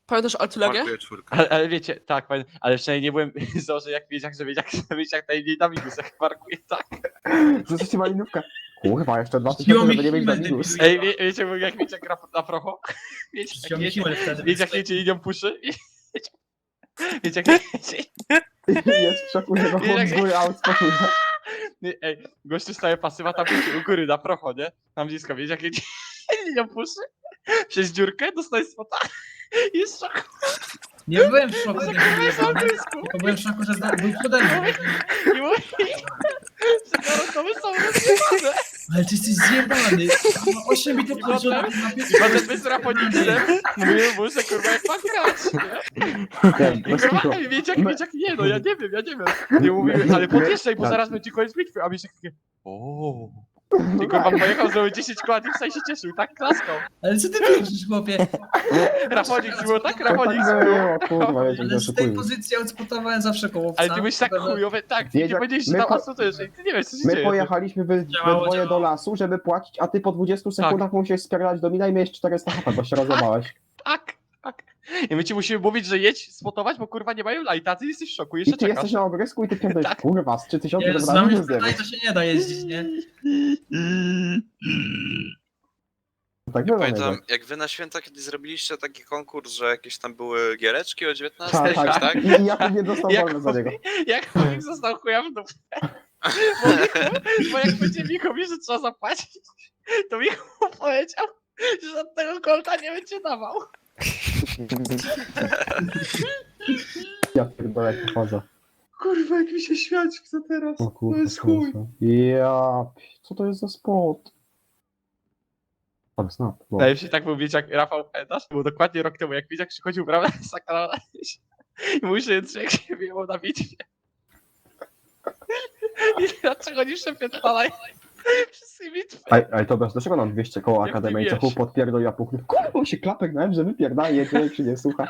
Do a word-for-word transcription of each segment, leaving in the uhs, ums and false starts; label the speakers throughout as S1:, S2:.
S1: Pamiętasz Artylegię?
S2: Markuję czwórkę.
S3: Ale, ale wiecie, tak, pamię- ale przynajmniej nie byłem zdążę jak wiedział, że wiedział, że wiedział najmniej na minus, jak parkuje, tak.
S4: Rzuciliście malinówkę. Kurwa, jeszcze dwa
S5: Rzuciło
S4: tysiące,
S5: mi
S4: żeby nie mieć na
S5: Himmel,
S4: minus.
S5: debilu.
S3: Ej, wie, wiecie, bo jak wiecie, gra na procho? Wiecie, jak
S5: Rzuciło mi
S3: wiecie,
S5: Himmel wtedy.
S3: wiecie, jak
S5: więc
S3: wiecie, linią puszy? Wiecie, wiecie, jak wiecie,
S4: Jest w szoku, że go chłop z góry out spotuje.
S3: ej, gościu staje pasywa, tam wiecie, u góry na procho, nie? Tam blisko, wiecie, jak jedzie linią puszy? Przez dziurkę dostaje spota i jest w szoku.
S5: Nie byłem w szoku,
S3: Że
S5: nie
S3: kurwa jest
S5: byłem.
S3: autysku.
S5: Tylko byłem w szoku, że zda- był przede mną.
S3: I mówi, że garotowy są rozjebane.
S5: Ale ty jesteś zjebany. osiem bitów
S3: I
S5: po
S3: potem-
S5: na
S3: I
S5: pierwszy
S3: potem my z Raponiksem mówimy mu, że kurwa jak ma grać, nie?
S4: Ej,
S3: I
S4: bez
S3: kurwa,
S4: kitu.
S3: ej, wiecie jak,
S4: My-
S3: wiecie jak, nie no, ja nie wiem, ja nie wiem. Nie mówimy, ale podjeżdżaj, bo
S4: Tak.
S3: zaraz będzie koniec bitwy, a Mieszek takie, ooo.
S4: No
S3: I kurwa
S4: tak.
S3: pojechał, zrobił dziesięć koła i w się cieszył, tak klaskał.
S5: Ale co ty pierdolisz, chłopie?
S3: Rafonik było, tak?
S4: To
S3: Rafonik
S4: tak
S3: było.
S4: było, kurwa, wiecie,
S5: Ale
S4: gdzie
S5: z tej
S4: oszukuję.
S5: pozycji odspotowałem zawsze kołowca.
S3: Ale ty byłeś tak chujowy, tak, ty
S4: Wiedział-
S3: nie powiedziałeś, że
S4: my
S3: tam
S4: po-
S3: asutujesz, i ty nie wiesz co się
S4: My
S3: dzieje.
S4: pojechaliśmy we, we
S5: Działało,
S4: dwoje do
S5: działało.
S4: lasu, żeby płacić, a ty po dwudziestu
S3: Tak.
S4: sekundach musiałeś spierdalać do mina i miałeś czterysta H P, bo się rozjebałeś.
S3: Tak, tak. I my ci musimy mówić, że jedź spotować, bo kurwa nie mają lighta, a ty jesteś w szoku,
S4: I
S3: jeszcze
S4: ty
S3: czekasz.
S4: jesteś na ogrysku i ty pierdolisz,
S3: Tak.
S4: kurwa, z trzy tysiące
S5: Nie, z
S4: dobra,
S5: nami
S4: minus
S5: tutaj
S4: dziewięć.
S5: to się nie da jeździć, nie?
S4: Tak było,
S2: Pamiętam,
S4: nie?
S2: jak wy na święta kiedyś zrobiliście taki konkurs, że jakieś tam były giereczki o dziewiętnastej,
S4: Tak, tak,
S2: tak?
S4: I, i ja nie dostał
S3: Jak
S4: wolny za niego.
S3: Jak chłopik został chuja w dupę. Bo, Michu, bo jak będzie Michu mówi, że trzeba zapłacić, to Michu powiedział, że żadnego kolta nie będzie dawał.
S4: Ja pierdolę, jak pochodzę.
S3: Kurwa, jak mi się śmiać chce teraz.
S4: O kurwa,
S3: to jest chuj.
S4: kurwa. Ja, co to jest za spot? Tak, snap. Bo...
S3: Najlepszy tak był, wiecie, jak Rafał, pamiętasz? Było dokładnie rok temu, jak Widziak przychodził, prawda, z kanału i mówi, że jest jak się wyjął na bitwie. I dlaczego nie przepiętnalaj wszystkie bitwy?
S4: Ej, ej, to bez, dlaczego nam dwieście koło
S3: Jak ty
S4: Akademii, co
S3: wiesz.
S4: chłop podpierdol, ja puchnę. Kurwa, się klapek na że wypierdala, jedzie, jak się nie słucha.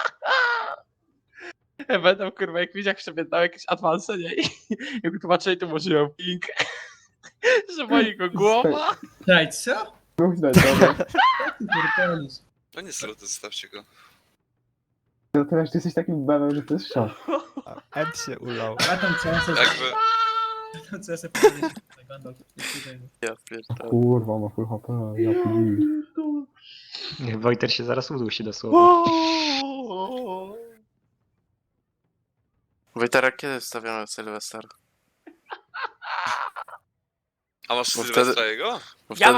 S3: Będą kurwa, jak Widziak przepiętnał jakieś advanse, nie? I jak tłumaczyli, to może miał ping, że boli go głowa.
S5: Daj, co?
S4: Mów znać, dobra.
S5: Ty pierdolisz.
S2: No nie to zostawcie go.
S4: No teraz ty jesteś takim bebem, że to jest szok.
S6: M się ulał.
S5: A tam co ja sobie...
S2: Jakby...
S5: Tam co ja sobie powiedzieć. Gandalf, nie tutaj.
S2: Ja pierdolę.
S4: Kurwa, ma full H P, ja pili.
S7: Niech Wojter się zaraz udusi dosłownie.
S8: Wojtara, kiedy wstawiamy Sylwester?
S2: A masz
S8: Bo
S2: Sylwestra
S8: wtedy-
S2: jego?
S8: Bo
S1: Ja
S8: wtedy